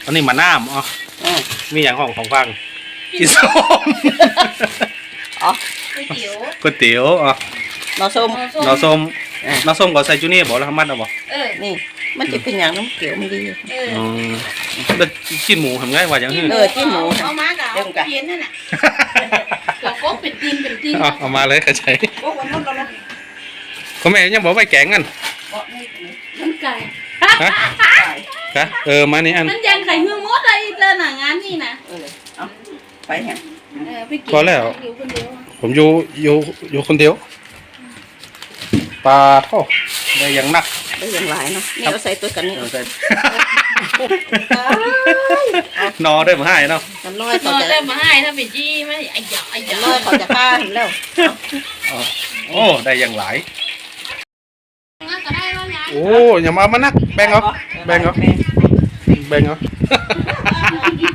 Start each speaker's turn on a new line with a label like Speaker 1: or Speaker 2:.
Speaker 1: อันนี้มาน้ำอ๋อมีอย่างของฟังกินส้ม
Speaker 2: อ๋อ
Speaker 1: ก๋วยเตี๋ยวอ๋อ
Speaker 2: หน่อส้ม
Speaker 1: หน่อส้มหน่อส้มก็ใส่จูนี่บอกแล้วทำมัดเอาบอก
Speaker 2: นี่มันจะเป็นอย่างน้ำเขียวมันดี
Speaker 1: แล้วกินหมูทำไงว่าอย่างนี้
Speaker 2: จิ้มหมู
Speaker 3: เอามากับเอาเพี้ยนนั่นน่ะเราก็เป็นตีนเป็นตีน
Speaker 1: เอามาเลยเข้าใจ
Speaker 2: โอ้วันนู้นเรา
Speaker 1: คุณแม่ยังบอกไปแกงกัน
Speaker 3: มันไก่
Speaker 1: ฮะฮะมานี่อัน
Speaker 3: มันยังไข่เมืองมดอะไรเจอหนังงานนี่นะ
Speaker 2: เอาไปแฮะ
Speaker 3: ไปกิน
Speaker 1: พอแล้ว
Speaker 3: อยู่คนเดียว
Speaker 1: ผมอยู่คนเดียวปลาท่อได้อย่างนัก
Speaker 2: ได้อย่างไรเนาะนี่เอาใส่ตัวกันนี่
Speaker 1: นอได้มาให้เนาะ
Speaker 2: กันน้อย
Speaker 3: น
Speaker 2: เขา
Speaker 3: อน
Speaker 2: จะ
Speaker 3: ได้มาให้ถ้าเป็นจี้ไม่ไอ้หยาไอ้หยา
Speaker 2: น้อยเขาจะฆ่าเห็นแล้ว
Speaker 1: โอ้ได้อย่างหลาย
Speaker 3: ก็ได้แล้วยาย
Speaker 1: โอ้อย่ามานักแบ่งเอาแบ่งเอาแบ่งเอา